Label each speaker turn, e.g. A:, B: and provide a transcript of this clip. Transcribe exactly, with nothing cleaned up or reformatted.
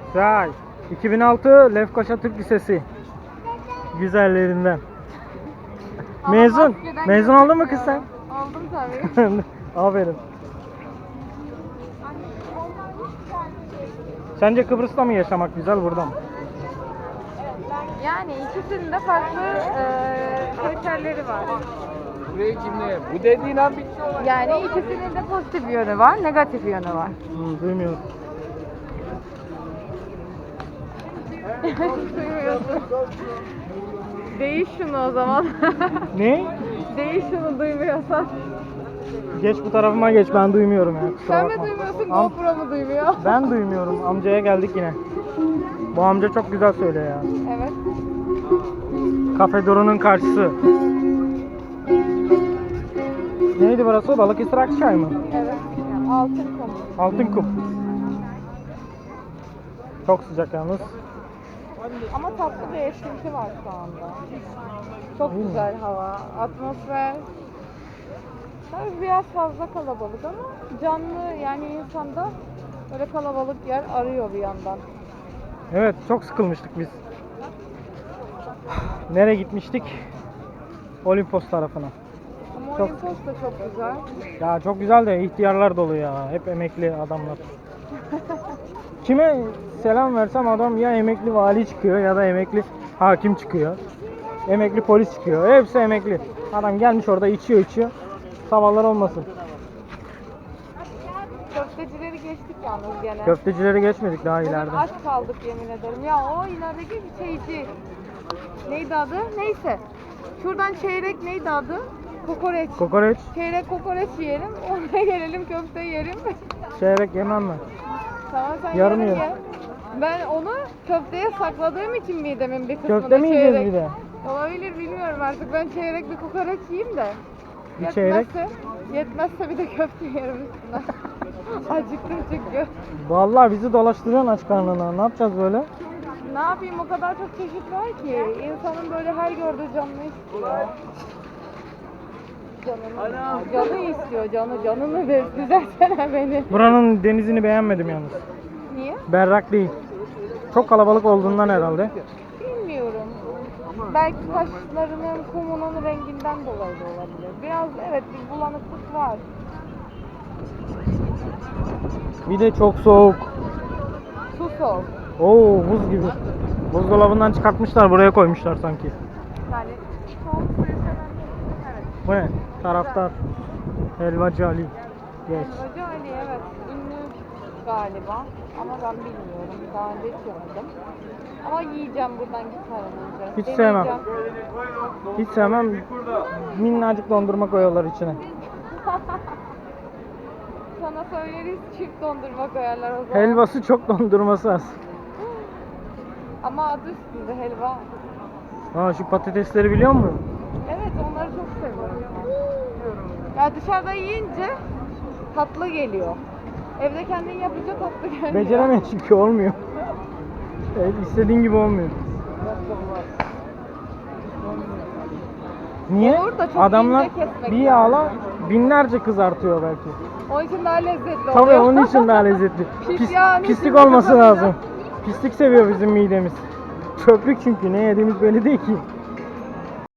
A: Güzel. iki bin altı Lefkoşa Türk Lisesi. Güzellerinden.
B: Ama
A: Mezun.
B: maskeden
A: Mezun oldun mu kız sen?
B: Oldum tabii.
A: Aferin. Sence Kıbrıs'ta mı yaşamak güzel, burada mı?
B: Yani ikisinin de farklı eee kriterleri var.
C: Buraya kimle? Bu dediğin an bitti olay.
B: Yani ikisinin de pozitif yönü var, negatif yönü var.
A: Hmm, duymuyorum.
B: Duymuyorsun. Değiş şunu o zaman.
A: Ne?
B: Değiş şunu duymuyorsan.
A: Geç bu tarafıma geç, ben duymuyorum ya. Kusura
B: Sen mi
A: bakma.
B: duymuyorsun,
A: Am-
B: GoPro mu duymuyor?
A: Ben duymuyorum. Amcaya geldik yine. Bu amca çok güzel söylüyor ya.
B: Evet.
A: Kafe Duru'nun karşısı. Neydi burası? Balıkesir Akçay mı?
B: Evet. Yani altın kum.
A: Altın kum. Çok sıcak yalnız.
B: Ama tatlı bir esinti var şu anda. Çok
A: Değil mi?
B: güzel hava, atmosfer. Tabii biraz fazla kalabalık ama canlı, yani insanda böyle kalabalık yer arıyor bir yandan.
A: Evet, çok sıkılmıştık biz. Nereye gitmiştik? Olimpos tarafına.
B: Ama
A: Çok-
B: Olimpos da çok güzel.
A: Ya çok güzel de ihtiyarlar dolu ya. Hep emekli adamlar. Kime selam versem adam ya emekli vali çıkıyor ya da emekli hakim çıkıyor. Emekli polis çıkıyor. Hepsi emekli. Adam gelmiş orada içiyor içiyor. Sabahlar olmasın.
B: Köftecileri geçtik yalnız gene.
A: Köftecileri geçmedik daha
B: Bugün
A: ileride.
B: aç kaldık yemin ederim. Ya o ilerideki bir şeyci. Neydi adı? Neyse. Şuradan çeyrek neydi adı? Kokoreç.
A: Kokoreç,
B: Çeyrek kokoreç yiyelim. Oraya gelelim köfte yerim.
A: çeyrek yemem mi?
B: Tamam sen
A: Yarım
B: yarım
A: ye.
B: ye. Ben onu köfteye sakladığım için midemin bir kısmını
A: Köfte mi yiyeceğiz
B: çeyrek-
A: bir de?
B: Olabilir, bilmiyorum artık. Ben çeyrek bir kokoreç yiyeyim de.
A: Bir çeyrek?
B: Yetmezse, yetmezse bir de köfte yerim üstüne. Acıktım çünkü.
A: Vallahi bizi dolaştırıyorsun aç karnına. Ne yapacağız böyle?
B: Ne yapayım, o kadar çok çeşit var ki. İnsanın böyle her gördüğü canını istiyor. Canını, canı istiyor, canı. Canını ver, düzeltsene beni.
A: Buranın denizini beğenmedim yalnız.
B: Niye?
A: Berrak değil. Çok kalabalık olduğundan herhalde.
B: Bilmiyorum. Belki taşlarının, kumunun renginden dolayı da olabilir. Biraz evet, bir bulanıklık var.
A: Bir de çok soğuk.
B: Su soğuk.
A: Oo, buz gibi. Buzdolabından çıkartmışlar, buraya koymuşlar sanki.
B: Yani soğuk suyu seven, evet.
A: Bu ne? Taraftar. Helvacı Ali. Geç.
B: Helvacı Ali, evet. Ünlü galiba. Ama ben bilmiyorum. Daha önce hiç yemedim. Ama yiyeceğim buradan gitmeden önce.
A: Hiç sevmem.
B: Deneyeceğim.
A: Hiç sevmem. Minnacık dondurma koyuyorlar içine.
B: Sana söyleriz, çift dondurma koyarlar o zaman.
A: Helvası çok, dondurması az.
B: Ama adı üstünde helva.
A: Ha, şu patatesleri biliyor musun?
B: Evet, onları çok seviyorum. Ya dışarıda yiyince tatlı geliyor. Evde kendin yapınca tatlı gelmiyor.
A: Beceremiyor çünkü olmuyor. Evet, istediğin gibi olmuyor. Niye?
B: Olur da çok
A: Adamlar
B: ince kesmek
A: bir
B: lazım.
A: yağla binlerce kızartıyor belki.
B: Onun için daha lezzetli
A: Tabii
B: oluyor.
A: onun için daha lezzetli.
B: Pis
A: Pis,
B: yağın
A: pislik
B: içinde
A: olması
B: kızarınca.
A: lazım. Pislik seviyor bizim midemiz. Çöplük çünkü, ne yediğimiz belli değil ki.